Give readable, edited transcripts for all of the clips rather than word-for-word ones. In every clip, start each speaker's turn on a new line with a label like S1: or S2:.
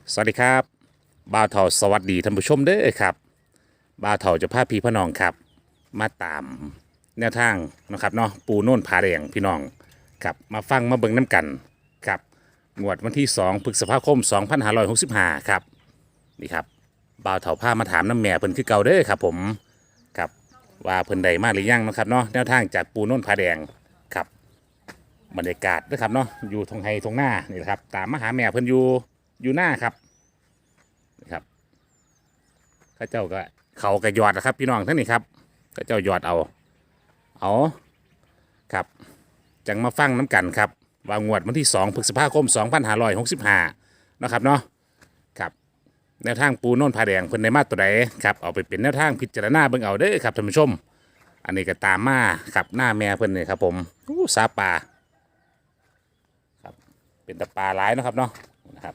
S1: สวัสดีครับบ่าวเถาสวัสดีท่านผู้ชมเด้อครับบ่าวเถาจะพาพี่พี่น้องครับมาตามแนวทางนะครับเนาะปูโน่นผาแดงพี่น้องครับมาฟังมาเบิ่งน้ำกันครับงวดวันที่2พฤษภาคม2565ครับนี่ครับบ่าวเถาพามาถามน้ำแม่เพิ่นคือเก่าเด้อครับผมครับว่าเพิ่นใดมาหรือยังนะครับเนาะแนวทางจากปูโน่นผาแดงครับบรรยากาศนะครับเนาะอยู่ทงไฮทงหน้านี่แหละครับตามมาหาแม่เพิ่นอยู่หน้าครับ ครับข้าเจ้าก็เขากระยอดนะครับพี่น้องทั้งนี้ครับข้าเจ้ายอดเอาครับจังมาฟังน้ำกันครับว่างวดวันที่2พฤษภาคม2565นะครับเนาะครับแนวทางปูโน่นผาแดงเพิ่นในมาตัวใดครับเอาไปเป็นแนวทางพิจารณาเบิ่งเอาเด้อครับท่านผู้ชมอันนี้ก็ตามมาครับหน้าแม่เพิ่นนี่ครับผมอู้สาปลาครับเป็นตะปลาหลายนะครับเนาะนะครับ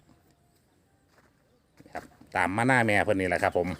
S1: ตามมาหน้าแม่เพิ่นนี่แหละครับผม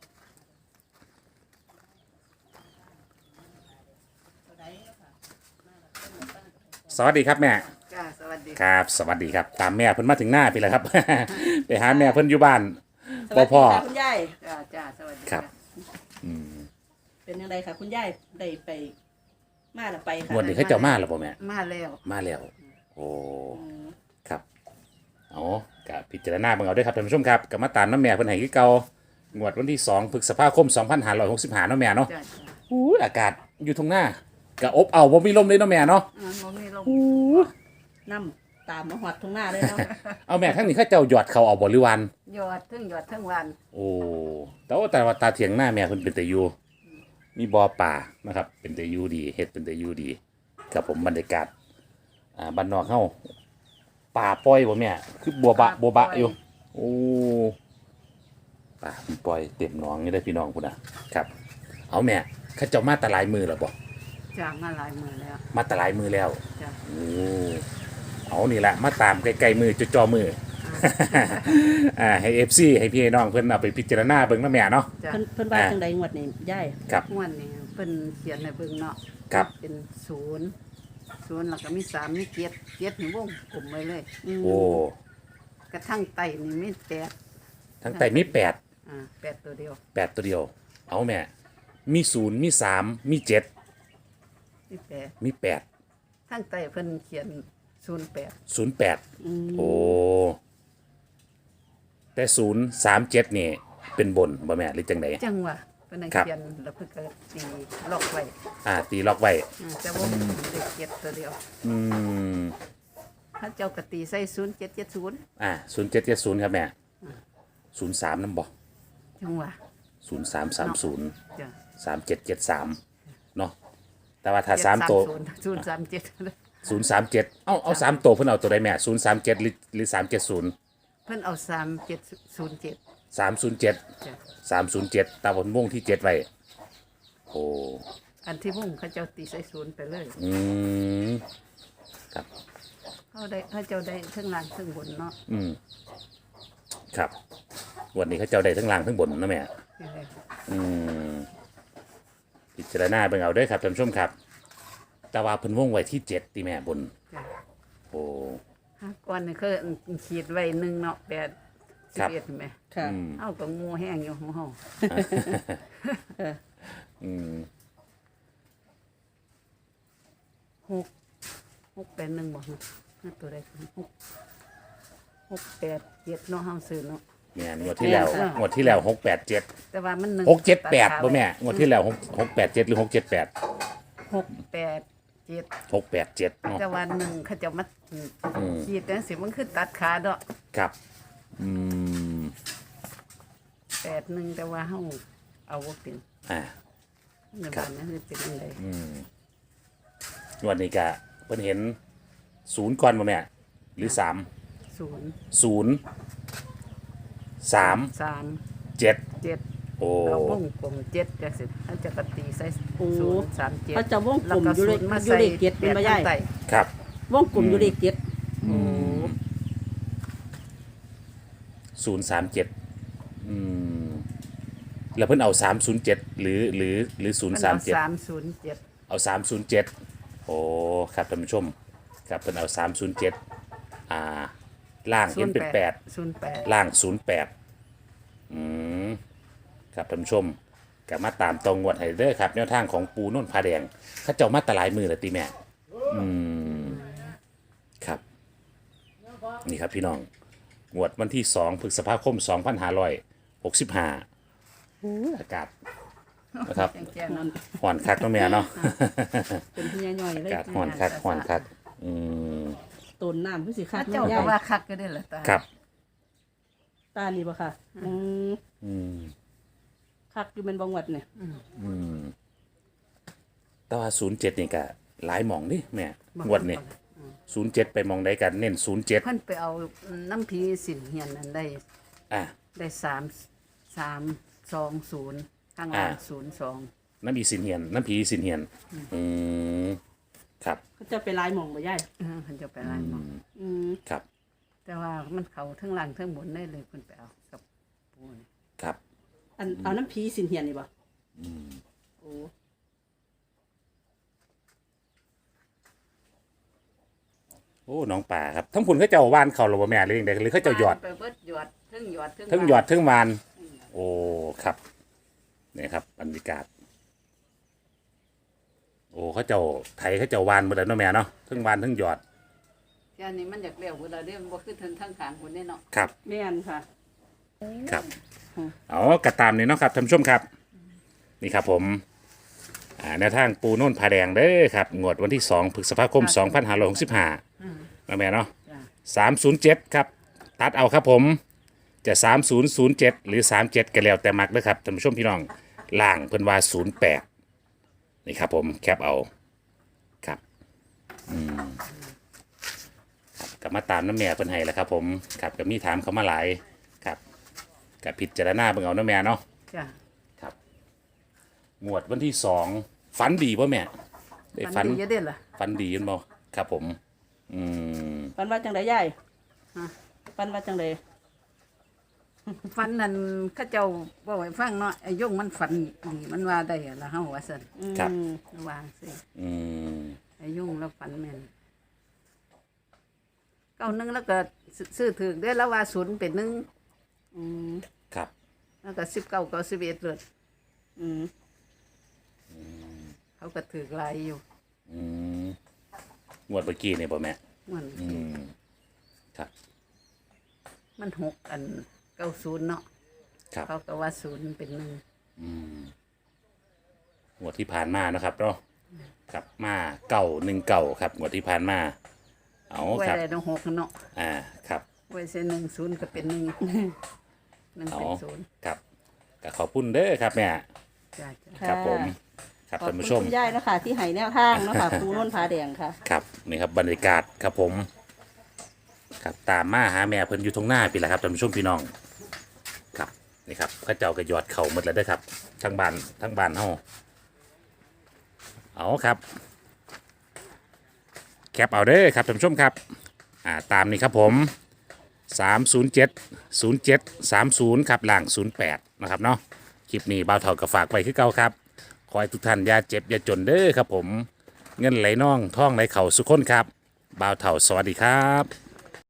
S1: สวัสดีครับแม่
S2: จ้าสวัสดี
S1: ครับสวัสดีครับตามแม่เพิ่นมาถึงหน้าพี่แล้วครับ ไปหาแม่เพิ่นอยู่บ้าน
S3: สวัสดี
S1: พ่อ
S3: ค่ะคุณยาย
S2: จ้าสวัสดี
S1: ครับ
S3: เป็นยังไงคะคุณยายได้ไปมาหรือไปค่ะ
S1: งวดนี้เขาเจ้ามาแล้วบ่แม่
S2: มาแล้ว
S1: มาแล้วโอ้ครับเอากับพิจารณาเบิ่งเอาเด้วยครับท่านผู้ชมครับกับมาตามน้ำแม่เพิ่นให้คือเก่างวดวันที่2พฤษภาคม2565เนาะแม่เนาะ
S2: จ้า
S1: อู้อากาศอยู่ตรงหน้าก็อบเอาบ่มีลมเลยเนาะแม่เนาะ
S2: บ่มีลม
S3: น้ำตามมาหอดทุ่งหน้าเลยเนาะ
S1: เอาแม่ทั้งนี้เขาเจ้าหยอดเขาเอาบ่หรือวัน
S2: ยอดทั้งวัน
S1: โอ้แต่ว่าตาเถียงหน้าแม่เพิ่นเป็นแต่อยู่มีบ่อป่านะครับเป็นแต่อยู่ดีเฮ็ดเป็นแต่อยู่ดีกับผมบรรยากาศบ้านนอกเฮาป่าปล่อยบ่แม่คือบัวบะอยู่โอ้ป่ามันปล่อยเต็มหนองนี่ได้อพี่น้องพุ่นน่ะครับเอาแม่เขาเจ้ามาแตหลายมือแล้วบ่
S2: จ้ามาหลายมือแล้ว
S1: มาแตหลายมือแล้ว
S2: จ้า
S1: โอ้เอานี่แหละมาตามไกลๆมือจอมือ ให้ FC ให้พี่ให้น้องเพิ่นเอาไปพิจารณาเบิ่งนะแม่เนาะ
S2: จ้า
S3: เพิ่นว่าจังใดงวดนี้ยาย
S1: ครับ
S2: ม่วนนี่เพิ่นเขียนให้เบิ่งเนาะ
S1: ครับ
S2: เป็นศูนย์แล้วก็มี3มี7นี่วงกลมไว้เลย
S1: โอ้
S2: กระทั่งไตนี่มี8
S1: ทั้งไตมี8
S2: 8ตัวเดียว
S1: 8ตัวเดียวเอาแม่มี0มี3มี7
S2: มี8
S1: มี8
S2: ทั้งไตเพิ่นเขียน08
S1: 08โอ้แต่037นี่เป็นบนบ่แม่หรือจังได
S2: จังหวะเพิ่นให้
S1: ครับ
S2: เขียนแล้วเพิ่นก็ตีล็อกไว้
S1: ตีล็อกไว้
S2: แต่ว่าเด็กเจ็ดตัวเดียว
S1: อืม
S2: ถ้าเจ้ากะตีใส่0770
S1: 0770ครับแม่03นำบ่
S2: จังหวะ
S1: 0330
S2: จ้ะ
S1: 3773เนาะแต่ว่าถ้า3ตัว
S2: 037
S1: 037เอา3ตัวเพิ่นเอาตัวใดแม่037หรือ370
S2: เพิ่นเอา3707
S1: 307
S2: จ้ะ
S1: 307ตาบนวงที่7ไว้โอ้
S2: อันที่มุ่งเขาเจ้าตีใส่ศูนย์ไปเลย
S1: อืมครับ
S2: เขาเจ้าได้เทั้งล่างเทั้งบนเนาะ
S1: ครับวันนี้เขาเจ้าได้ทั้งล่างทั้งบนนะแม่พิจารณาเบิ่งเอาเด้อครับท่านผู้ชมครับแต่ว่าเพิ่นวงไว้ที่7ติแม่บน
S2: จ้ะ
S1: โอ้
S2: ก่อนนี่คือขีดไว้1เนาะ8
S1: ครับ
S2: 11เห็นไหม
S3: ค่ะ
S2: เฮาก็งูแห้งอยู่ของเฮา 6 เป็น1บ่ฮะนั่นตัวใด6 8 7เนาะเฮาซื้อเนาะ
S1: แม่นงวดที่แล้วงวดที่แล้ว687
S2: แต่ว่ามัน
S1: 678บ่แม่งวดที่แล้ว687หรือ678
S2: 687
S1: 687เนาะ
S2: แต่ว่าหนึ่งเขาจะมาขีดจังสิมันคือตัดขาเนาะ
S1: ครับ
S2: 81แต่ว่าเฮาเอาบ่เป็น ในบ้านนั้นคือเป็นจังได
S1: วันนี้ก็เพิ่นเห็น0ก่อนบ่แม่หรือ3
S2: 0
S1: 0 3
S2: 3
S1: 7
S2: 7
S1: โอ้
S2: เราวงกลม7จังสิเขาจะกตีใส่
S3: โอ้
S2: 0 3 7
S3: เขาจะวงกลมอยู่เลขอยู่เลขเจ็ดเป็นบ่ยาย
S1: ครับ
S3: วงกลมอยู่เลขเจ็ด
S1: 037แล้วเพิ่นเอา307หรือ037
S2: 307
S1: เอา307โอ้ครับท่านผู้ชมครับเพิ่นเอา307 ล่างเห็นเป็นแปด
S2: 08
S1: ล่าง08อืมครับท่านผู้ชมก็มาตามตรงงวดให้เด้อครับแนวทางของปูโน่นผาแดงเขาเจ้ามาแตหลายมือเลยตีแม่อืมครับนี่ครับพี่น้องงวดวันที่2พฤษภาคม2565อากาศนะครับ
S2: แจ้งๆนั่น
S1: ห่อนคักเนาะแม่เนาะ
S3: เป็นพี่ย่อยๆเล
S1: อาย กาศห่อนคักห่อนคักอืม
S3: ต้นน้ำพี่สิคั
S2: ถ้าก เจ้า
S3: ย่า
S2: ก็
S3: ย
S2: ว่าคักก็ได้ล่ะตา
S1: ครับ
S3: ตานี่บ่ค่ะ
S1: อืม
S3: คักอยู่เป็นบางวัดเนี่ย
S1: แต่ว่า07นี่ก็หลายหม่องนี่แม่งวดนี่07ไปหมองใดกันเน้น07
S2: เพิ่นไปเอาน้ำผีสินเฮียนนั้นได้
S1: อ่ะ
S2: ได้320ข้างล่าง02
S1: น้ำผีสินเฮียนอืมครับ
S3: เขาจะไปลายหมองบ่ย่าย
S2: เพิ่นจะไปร้านหมอ
S1: ครับ
S2: แต่ว่ามันเข้าทั้งล่างทั้งบนได้เลยเพิ่นไปเอากับปูนี่
S1: ครับ
S3: เอาน้ำพีสินเฮียนนี่บ่โอ้
S1: โอ้น้องป่าครับทั้งพุ่นเขาเจ้าว่านเขาหรือว่าแม่หรือยังไงหรือเขาเจ้าหยอด
S2: ไปเบิดหยอดเทั้งหยอด
S1: ทั้งหยอดทั้งวานโอ้ครับนี่ครับบรรยากาศโอ้เขาเจ้าไทยเขาเจ้าวานหมดแล้วเนาะแม่เนาะทั้งวานทั้งหยอด
S2: แค่นี้มันอยากเลี้ยวเวลาเด้มันบ่คือทั้งขางคนนี่เนาะ
S1: ครับ
S3: แม่นค่ะ
S1: ครับเอากระตามนี่เนาะครับท่านผู้ชมครับนี่ครับผมแนวทางปูโน่นผาแดงเด้อครับงวดวันที่2พฤษภาคม2565นะแม่เนาะ
S2: จ้ะ
S1: 307ครับตัดเอาครับผมจะ3007หรือ37ก็แล้วแต่มักเด้อครับท่านผู้ชมพี่น้องล่างเพิ่นว่า08นี่ครับผมแคปเอาครับครับก็มาตามน้ำแม่เพิ่นให้แล้วครับผมครับก็มีถามเขามาหลายครับกับพิจารณาเบิ่งเอาน้ำแม่เนาะ
S2: จ้ะ
S1: ครับงวดวันที่2ฝันดีป่ะแม่ได้
S2: มันดีอยู่เด้ล่ะ
S1: ฝันดียันบ่ครับผมอืม
S3: ปันว่าจังไดย่าย
S2: ฮะ
S3: ปันว่าจังได
S2: ฟันนั่นเขาเจ้าบ่ให้ฟังเนาะไอ้ยงมันฝันดีมันว่าได้ล่ะเฮาว่าซั่น
S1: ครับ
S2: วางสิ
S1: อืม
S2: ไอ้ยงแล้วฝันแม่น91แล้วก็ซื้อถูกได้แล้วว่า0เป็น1
S1: ครับ
S2: แล้วก็19 91เลย
S3: อืม
S2: เขาก็ถูกหลายอยู่
S1: อืมงวดเมื่อกี้นี่บ่แม่
S2: มัน
S1: อืมครับ
S2: มัน6อัน90เนาะ
S1: ครับ
S2: เขาก็ว่า0เป็น1
S1: งวดที่ผ่านมานะครับเนาะครับมา919ครับงวดที่ผ่านมาเอา
S2: ไว้
S1: ครับ
S2: ได้ต้อง6เนาะ
S1: ครับ
S2: ไว้ใส่10ก็เป็น1 1
S1: เอา
S2: เป็น0
S1: ครับก็ขอบคุณเด้อครับแม่
S2: จ้ะจ้ะ
S1: ครับผมครับ
S3: ขอบ
S1: ท่าน
S3: คุณ
S1: ผู้ชม
S3: คุณย่ายนะคะที่ให้แนวทางเนาะค่ะ ปูโน่นผาแดงค่ะ
S1: ครับนี่ครับบรรยากาศครับผมครับตามมาหาแม่เพิ่นอยู่ตรงหน้าพี่แหละครับท่านผู้ชมพี่น้องครับนี่ครับเข้าเจ้าก็หยอดเข่าหมดแล้วเด้อครับทั้งบ้านเฮาเอาครับแคปเอาเด้อครับท่านผู้ชมครับตามนี้ครับผม3070730ครับล่าง08นะครับเนาะคลิปนี้บ่าวเฒ่าก็ฝากไว้คือเก่าครับขอให้ทุกท่านอย่าเจ็บอย่าจนเด้อครับผมเงินไหลน่องท่องไหลเข่าสุขคนครับบ่าวเฒ่าสวัสดีครับ